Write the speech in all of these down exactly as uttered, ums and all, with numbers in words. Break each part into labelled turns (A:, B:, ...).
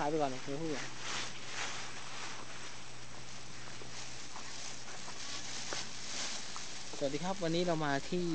A: ายไปก่อนเดี๋ยวพูดก่อนสวัสดีครับวันนี้เรามาที่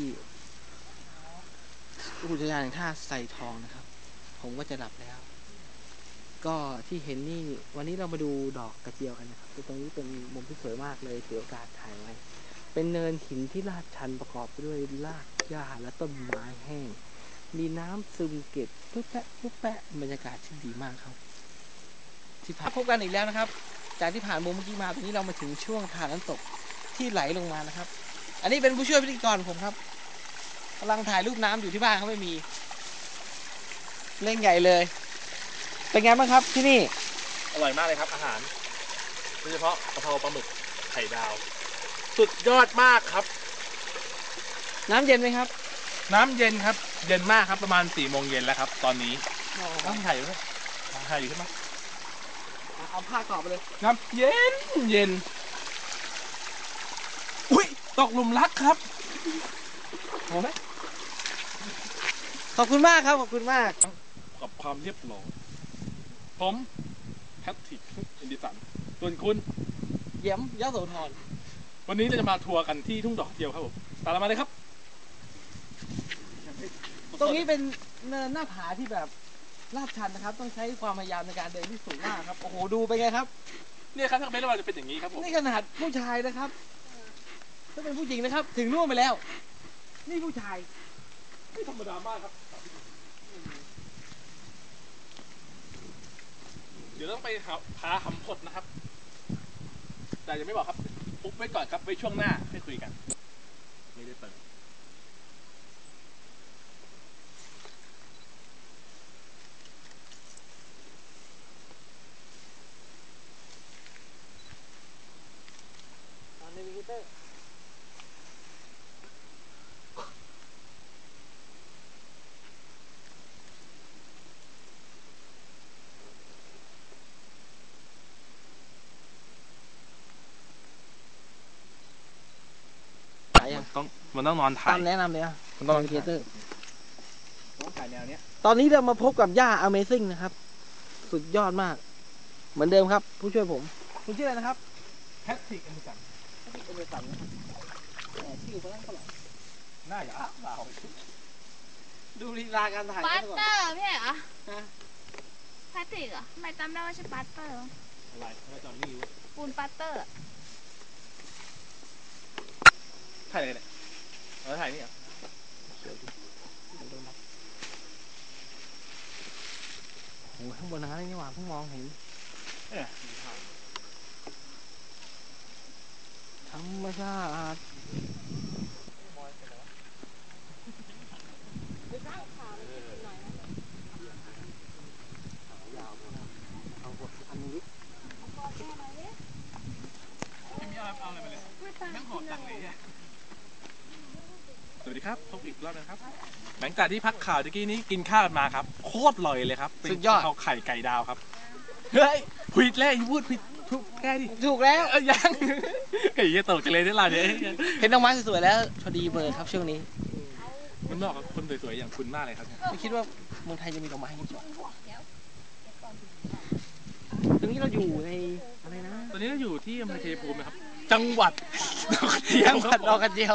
A: อุทยานแห่งชาติไซทองนะครับผมก็จะหลับแล้วก็ที่เห็นนี่วันนี้เรามาดูดอกกระเจียวกันนะครับตรงนี้เป็นมุมที่สวยมากเลยถือโอกาสถ่ายไว้เป็นเนินหินที่ลาดชันประกอบไปด้วยรากหญ้าและต้นไม้แห้งมีน้ำซึมเก็บปุ๊บแปะปุ๊บแปะบรรยากาศที่ดีมากครับที่พบกันอีกแล้วนะครับจากที่ผ่านมุมเมื่อกี้มาตอนนี้เรามาถึงช่วงทานน้ำตกที่ไหลลงมานะครับอันนี้เป็นผู้ช่วยพิธีกรผมครับกำลังถ่ายรูปน้ำอยู่ที่บ้านเขาไม่มีเล่นใหญ่เลยเป็นไงบ้างครับที่นี่
B: อร่อยมากเลยครับอาหารโดยเฉพาะกะเพราปลาหมึกไข่ดาวสุดยอดมากครับ
A: น้ำเย็นไหมครับ
B: น้ำเย็นครับเย็นมากครับประมาณสี่โมงเย็นแล้วครับตอนนี้น้ำไข่อยู่ไหมไข่อยู่ใช่ไหม
A: เอาผ้ากรอบไปเลย
B: น้ำเย็นเย็นอุ้ยตกหลุมรักครับโอ้ไหม
A: ขอบคุณมากครับขอบคุณมาก
B: กับความเรียบร้อยผมแพทริกอินดิสันส่วนคุณ
A: เยี่ยมยโสธร
B: วันนี้เราจะมาทัวร์กันที่ทุ่งดอกเจียวครับผมตามมาเลยครับ
A: ตรงนี้เป็นเนินหน้าผาที่แบบลาดชันนะครับต้องใช้ความพยายามในการเดินที่สูงมากครับโอ้โหดูไปไงครับ
B: เนี่ยครับถ้าเป็นเราจะเป็นอย่างนี้ครับผม
A: นี่ขนาดผู้ชายนะครับถ้าเป็นผู้หญิงนะครับถึงนู่นไปแล้วนี่ผู้ชาย
B: ไม่ธรรมดามากครับเดี๋ยวต้องไปพาหำพดนะครับแต่ยังไม่บอกครับปุ๊บไว้ก่อนครับไว้ช่วงหน้าให้คุยกันไม่ได้เปิด
A: ในวิกิเตอร์
B: ต้องมันต้องนอนถ่าย
A: ตามแนะนำเลยอ่ะ
B: มันต้องนอน
A: ถ่ายเตอร์
B: ต้องถ่ายแนวเนี้ย
A: ตอนนี้เรามาพบกับย่า Amazing นะครับสุดยอดมากเหมือนเดิมครับผู้ช่วยผมคุณชื่ออะไรนะครับ
B: แพทริกเอมิสัน
A: แพทริกเอมิสันแต่ชื่อเขาตั้งเท่าไหร่
B: น่าจะเปล่า
A: ดูลีลาการถ่าย
C: ปัตเตอร์ไม่ใช่เหรอ
A: ฮะ
C: แพทริกเหรอไม่จำได้ว่าชื่อปัตเตอร์
B: อะไรไม่จำนี่วะ
C: ปูนปัตเตอร์
B: ถ่ายอะไรเนี่ยเราถ่ายนี่เหรอ
A: โอ้ข้างบนนั้นนี่หว่าเพิ่งมองเห็นธรรมชาติ
B: สวัสดีครับพบอีกรอบนะครับหลังจากที่พักข่าวตะกี้นี้กินข้าวมาครับโคตรอร่อยเลยครับ
A: สุดยอด
B: เอาไข่ไก่ดาวครับเฮ้ยผิดแล้วพูดผิดถูกแก้ดิ
A: ถูกแล้ว
B: เอ้ยยังไก่ยี่ตกกันเลยที่ร้านนี้
A: เห็นดอกไม้สวยๆแล้วพอดีเบอร์ครับช่วงนี้
B: มันเหมาะกับคนสวยๆอย่างคุณมากเลยครับ
A: ไม่คิดว่าเมืองไทยจะมีดอกไม้อย่างนี้ตรงนี้เราอยู่ในอะไรนะ
B: ตอนนี้เราอยู่ที่อำเภอชัยภูมินะครับจังหวัด
A: จังหวัดดอกกระเจียว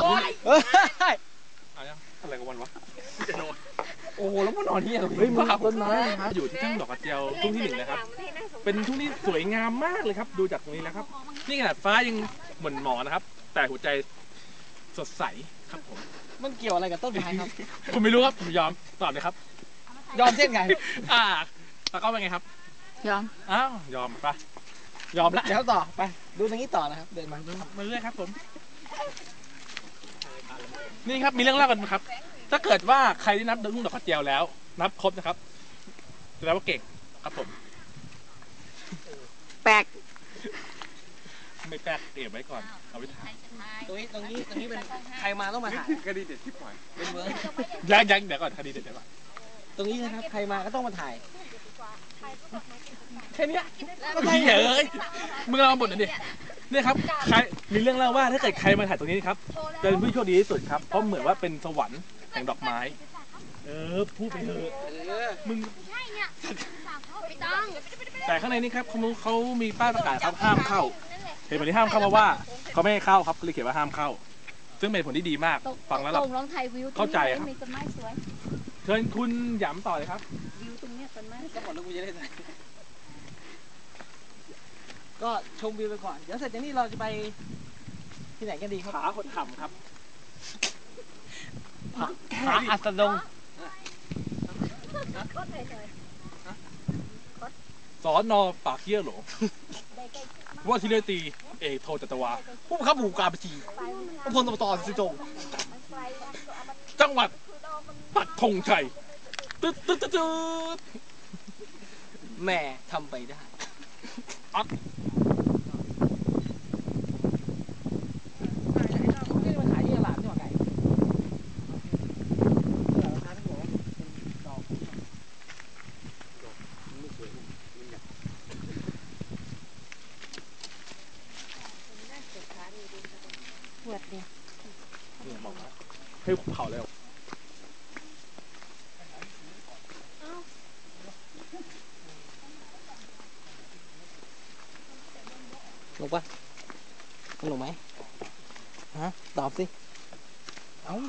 B: อะไรกันวันวะจะนอน
A: โอ้โหแล้วมันนอนที่อะไรเฮ้ยมันต้นไม้
B: ครับอยู่ที่ทุ่งดอกกระเจียวทุ่งที่หนึ่งนะครับเป็นทุ่งที่สวยงามมากเลยครับดูจากตรงนี้แล้วครับนี่ขนาดฟ้ายังหม่นหมองนะครับแต่หัวใจสดใสครับผม
A: มันเกี่ยวอะไรกับต้นไม้ครับ
B: ผมไม่รู้ครับผมยอมตอบเลยครับ
A: ยอมเช่นไง
B: อ่าตะก้อเป็นไงครับ
C: ยอม
B: อ้าวยอมปะยอมละ
A: เดี๋ยวต่อไปดูตรงนี้ต่อนะครับเดินมา
B: มาเรื่อยครับผมนี่ครับมีเรื่องเล่ากันครับถ้าเกิดว่าใครที่นับทุ่งดอกกระเจียวแล้วนับครบนะครับแสดงว่าเก่งครับผม
A: แปลก
B: ไม่แปลกเก็บไว้ก่อนเอาไว้ถ่าย
A: ตรงนี้ตรงนี้ตรงนี้เป็นใครมาต้องมาถ่าย
B: คดีเด็ดที่ปล่อย
A: เป็นเมือง
B: ยังยังเดี๋ยวก่อนคดีเด็ดเดี๋ยวก่อน
A: ตรงนี้นะครับใครมาก็ต้องมาถ่ายแค่นี้
B: พี่เอ๋ยมึงเอาบทหน่อยดิเนี่ยครับใครมีเรื่องเล่าว่าถ้าเกิดใครมาถ่ายตรงนี้ครับจะเป็นผู้โชคดีที่สุดครับเพราะเหมือนว่าเป็นสวรรค์แห่งดอกไม้เออพูดไปเถอะมึง
C: ต้อง
B: แต่ข้างในนี่ครับเขาเขามีป้ายประกาศครับห้ามเข้าเหตุผลที่ห้ามเข้าเพราะว่าเขาไม่ให้เข้าครับเลยเขียนว่าห้ามเข้า ซึ่งเป็นผลที่ดีมากฟังแล้ว
C: ตรงลองถ่ายวิว
B: เข้าใจครับ
C: มีต้นไม้สวย
B: เชิญคุณหยำต่อเลยครับ
C: วิวตรงเนี้ยต้นไม้
A: ก็หมดแล้วกูจะได้ไหนก็ชมวิวไปก่อน เดี๋ยวเสร็จจากนี้เราจะไปที่ไหนกันดีครับ
B: ผาหดห่ำครับ
A: ผาอัสดง
B: สอนอปากเยี่ยหลงว่าที่เรตีเอกโทจัตวาผู้บังคับหมู่การบัญชีพลตำรวจตสิจงจังหวัดปักธงชัยตึ๊ดตึ๊ดตึ๊ดตึ๊ด
A: แม่ทำไปได้
B: อัด
A: นี่มันขายที่ตลาดนี่หว่าไก่ราคาที่บอกว่าเป็นดอกปวดเนี่ย
B: เนี่ยบอกว่าให้เผาแล้ว
A: หนุกปะสนุกไหมฮะตอบสิ เอ้า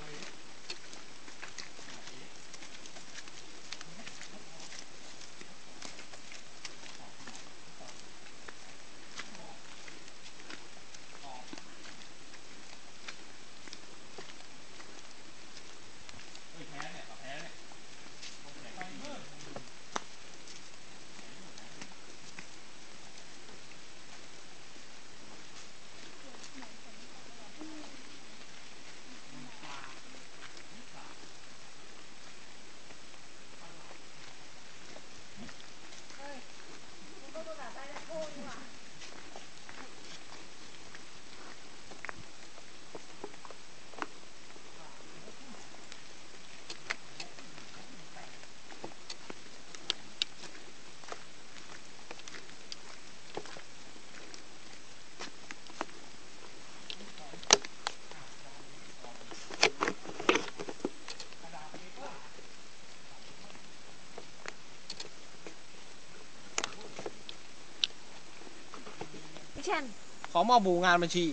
A: ขอมอบหมู่งานบัญชี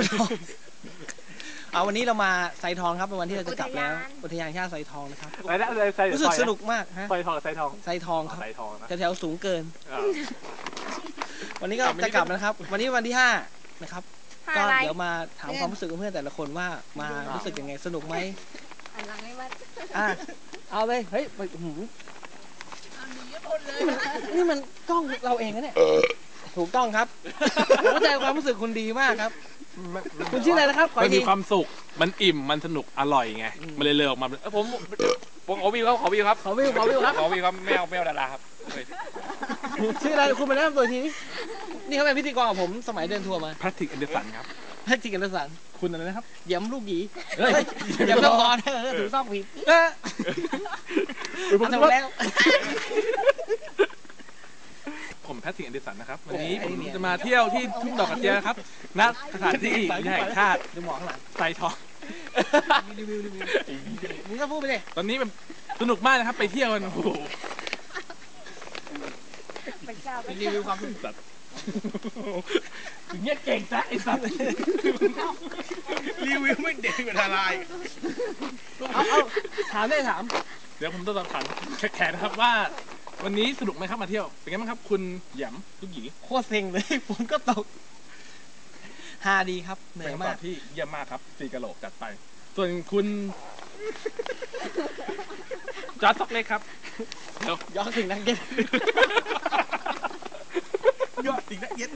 A: เอาวันนี้เรามาไซทองครับเป็นวันที่เราจะกลับแล้วอุทยานแห่งชาติไซทองนะครับ
B: อะไรนะอะไรไซ
A: รู้สึกสนุกมากฮะ
B: ไซทองกับไซทอง
A: ไซทองครับ
B: ไซทองนะ
A: แถวๆสูงเกิน
B: อ่า
A: วันนี้ก็จะกลับนะครับ วันนี้วันที่ห้านะครับ ก็
C: อะไร
A: เดี๋ยวมาถามความรู้สึกของเพื่อนแต่ละคนว่ามารู้สึกยังไงสนุกไหม
C: หันหลังให้มัน
A: อ่ะเอาเลยเฮ้ยไปหืมนี่มันกล้องเราเองนะเนี่ยถูกต้องครับผมเข้าใจความรู้สึกคุณดีมากครับ คุณชื่ออะไรนะครับขอ
B: มั
A: อี
B: น
A: กที
B: มีความสุขมันอิ่มมันสนุกอร่อยไง
A: อืม
B: มันเลยเลยออกมาเอ้ยผมผมขอวิวครับขอวิวครับ
A: ขอวิวขอวิวครับ
B: ขอวิวครับไม่เอาไม่เอาดาราครับเฮ้ย
A: ชื่ออะไรคุณมาแนะนำตัวทีนี้นี่เขาเป็นพิธีกรกับผมสมัยเดินทัวร์มา
B: แพทริกแอนเดอร์สันครับ
A: แพทริกกันสัน
B: คุณอะไรนะครับ
A: เยี่ยมลูกหยี
B: เฮ้ย
A: เยี่ยมต้องพอนะเออถูกต้องผิดเออ
B: เออผม
A: ทำ
B: ว่า
A: แล้ว
B: ผมแพทริกแอนเดอร์สันนะครับวันนี้
A: โอ้
B: ผ
A: ไอ้
B: ม
A: เนี่ย
B: จะมาเที่ยวที่ทุ่งดอกกระเจียครับณสถานที่อุทยานแห่งชาติ
A: ดูหมอข้างหลัง
B: ไซทอง
A: รีวิวรีวิวมึงก็พูดไปเลย
B: ตอนนี้มันสนุกมากนะครับไปเที่ยวกันโอ้โห
A: รีวิวความรู้สึก
B: สัตว์ถึงเนี้ยเก่งจ้ะไอ้สัตว์
D: รีวิวไม่เด็ดกว่าทลาย
A: เอาเอาถามได้ถาม
B: เดี๋ยวผมต้องถามแขกนะครับว่า วันนี้สนุกไหมครับมาเที่ยวเป็นไงบ้างครับ คุณหยำลูกหยี
A: โคตรเซ็งเลยฝนก็ตกฮาดีครับเหนื่
B: เป็
A: อน ย
B: คำต
A: มา
B: อก บที่เยี่ยมมากครับสี่กะโหลกจัดไป ส่วนคุณจอร์จซ็อกเล็กครับเดี๋ยว
A: ย้อนถึงนักเก็ต
D: ยอดจริงนะเย็ด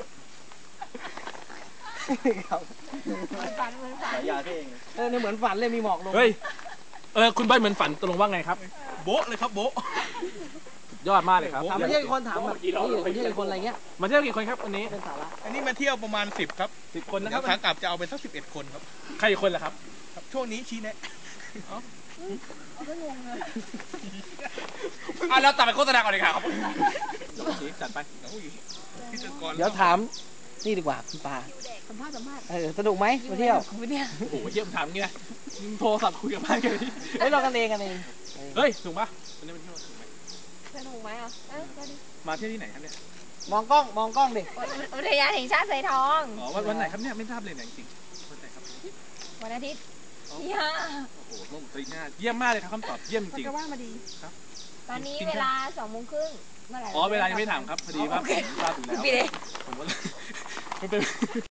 A: ครับ
C: ฝันเหมือนฝัน
D: ยาที่เอง
A: เออเนี่ยเหมือนฝันเลยมีหมอกลง
B: เฮ้ยเออคุณใบเหมือนฝันตกลงว่าไงครับ
D: โบ๊ะเลยครับโบ๊ะ
B: ยอดมากเลยครับ
A: ถามไม่ใช่คนถามแบบนี่ไม่ใช่คนอะไรเงี้ย
B: มาเที่ยวกี่คนครับวันนี้
A: เป็นสาระ
D: อันนี้มาเที่ยวประมาณสิบครับ
B: สิบคนนะค
D: แล้
B: รับ
D: วขากลับจะเอาไปสักสิบเอ็ดคนครับ
B: ใครอีกคนล่ะครับ
D: ครับ ช่วงนี้ชี้แนะ
B: อ่ะเราตัดไปโฆษณาก่อนเลยครับจัดไป
D: พิธีกร
A: เดี๋ยวถามนี่ดีกว่าคุณปา
C: สัมภาษณ์สัมภาษณ์
A: เออสนุกไหมมาเที่ยว
C: คุณเนี่ย
B: โอ้โหเยี่ยมถามงี้นะโทรศัพท์คุยกับบ้านกันดิ
A: เฮ้ยเรากันเองกันเอง
B: เฮ้ยถูกปะวันนี้มันเที่ยวถูกไหม
C: นุกไหมอ่ะเออก็ดี
B: มาเที่ยวที่ไหนครับเนี่ย
A: มองกล้องมองกล้องดิ
C: อุทยานแห่งชาติไซทอง
B: อ๋อวันวันไหนครับเนี่ยไม่ทราบเลยเนี่ยจริงๆวันไหนครับ
C: วันอาทิตย์ที่ห้า
B: โอ้โหลงตีหน้าเยี่ยมมากเลยครับคำตอบเยี่ยมจริง
C: ก็ว่ามาดี
B: ครับ
C: ตอนนี้เวลาสองโมงครึ่งเมื่อไหร่
B: อ๋อเวลายังไม่ถามครับพอดีว่าผมทราบอยู่แล้ว
C: พี่เด็ก
B: ผมก็ มันเป็น